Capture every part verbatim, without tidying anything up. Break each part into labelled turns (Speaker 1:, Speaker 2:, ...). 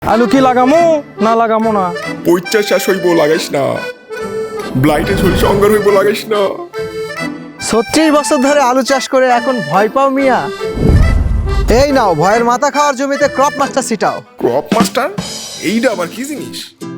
Speaker 1: আলু কি লাগামো না লাগামো না?
Speaker 2: পইচা শেষ হইব লাগাইস না, ব্লাইটে ঝলসে অঙ্গার হইব লাগাইস না।
Speaker 3: ছত্রিশ বছর ধরে আলু চাষ করে এখন ভয় পাও মিয়া? এই নাও ভয়ের মাথা খাওয়ার জমিতে ক্রপ মাস্টার ছিটাও।
Speaker 2: ক্রপ মাস্টার এইটা আবার কি জিনিস?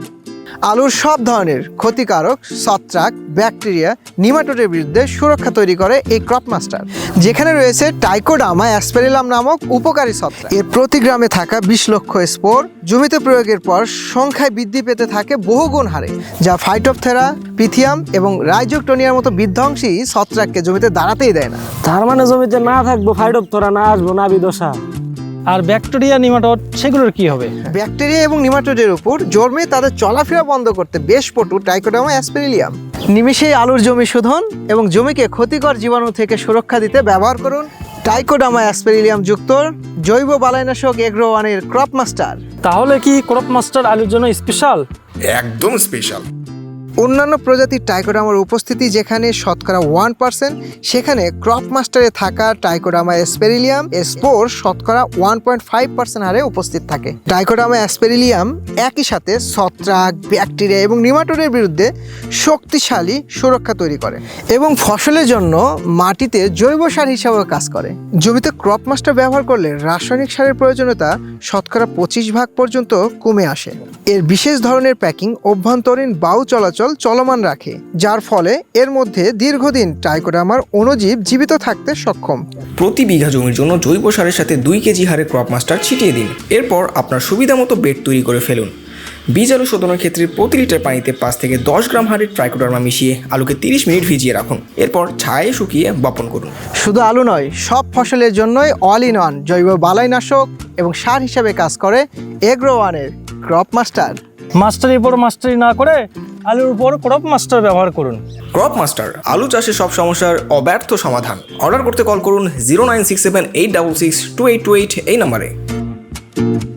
Speaker 3: আলুর সব ধরনের ক্ষতিকারক ছত্রাক, ব্যাকটেরিয়া, নিমাটোডের বিরুদ্ধে সুরক্ষা তৈরি করে এই ক্রপ মাস্টার, যেখানে রয়েছে ট্রাইকোডার্মা অ্যাসপেরিলাম নামক উপকারী ছত্রাক। এর প্রতি গ্রামে থাকা বিশ লক্ষ স্পোর জমিতে প্রয়োগের পর সংখ্যায় বৃদ্ধি পেতে থাকে বহুগুণ হারে, যা ফাইটোপথেরা, পিথিয়াম এবং রাইজোকটোনিয়ার মতো বিধ্বংসী ছত্রাককে জমিতে দাঁড়াতেই দেয় না।
Speaker 4: তার মানে জমিতে না থাকবো ফাইটোপথেরা, না আসবো না বিদশা।
Speaker 1: আর ব্যাকটেরিয়া, নিমাটোড সেগুলোর কি হবে?
Speaker 3: ব্যাকটেরিয়া এবং নিমাটোডের উপর জন্মে তাদের চলাফেরা বন্ধ করতে বেশ পটু ট্রাইকোডার্মা অ্যাসপেরিলিয়াম। নিমেষেই আলুর জমি শোধন এবং জমিকে ক্ষতিকর জীবাণু থেকে সুরক্ষা দিতে ব্যবহার করুন ট্রাইকোডার্মা অ্যাসপেরিলিয়াম যুক্ত জৈব বালাইনাশক এগ্রো ওয়ানের ক্রপ মাস্টার।
Speaker 1: তাহলে কি ক্রপ মাস্টার আলুর জন্য স্পেশাল?
Speaker 2: একদম স্পেশাল।
Speaker 3: অন্যান্য প্রজাতির ট্রাইকোডার্মার উপস্থিতি যেখানে শতকরা ওয়ান পার্সেন্ট, সেখানে ক্রপ মাস্টারে থাকা ট্রাইকোডার্মা অ্যাসপেরিলিয়াম এর স্পোর শতকরা ওয়ান পয়েন্ট ফাইভ পার্সেন্ট হারে উপস্থিত থাকে। ট্রাইকোডার্মা অ্যাসপেরিলিয়াম একই সাথে ছত্রাক, ব্যাকটেরিয়া এবং নিমাটোডের বিরুদ্ধে শক্তিশালী সুরক্ষা তৈরি করে এবং ফসলের জন্য মাটিতে জৈব সার হিসাবেও কাজ করে। জমিতে ক্রপ মাস্টার ব্যবহার করলে রাসায়নিক সারের প্রয়োজনীয়তা শতকরা পঁচিশ ভাগ পর্যন্ত কমে আসে। এর বিশেষ ধরনের প্যাকিং অভ্যন্তরীণ বায়ু চলাচল চলমান রাখে, যার ফলে এর মধ্যে দীর্ঘদিন ট্রাইকোডার্মার অণুজীব জীবিত থাকতে সক্ষম।
Speaker 5: প্রতি বিঘা জমির জন্য জৈব সারের সাথে দুই কেজি হারে ক্রপ মাস্টার ছিটিয়ে দিন। এরপর আপনার সুবিধা মতো বেড তৈরি করে ফেলুন। বীজ আলু শোধনের ক্ষেত্রে প্রতি লিটার পানিতে পাঁচ থেকে দশ গ্রাম হারে ট্রাইকোডার্মা মিশিয়ে আলুকে তিরিশ মিনিট ভিজিয়ে রাখুন। এরপর ছায়ে শুকিয়ে বপন করুন।
Speaker 3: শুধু আলু নয়, সব ফসলের জন্যই অল ইন ওয়ান জৈব বালাইনাশক এবং সার হিসাবে কাজ করে এগ্রো ওয়ানের ক্রপ মাস্টার।
Speaker 1: মাস্টারের উপর মাস্টারি না করে আলুর উপর ক্রপ মাস্টার ব্যবহার করুন।
Speaker 5: ক্রপ মাস্টার আলু চাষের সব সমস্যার অব্যর্থ সমাধান। অর্ডার করতে কল করুন zero nine six seven eight double six two eight two eight এই নম্বরে।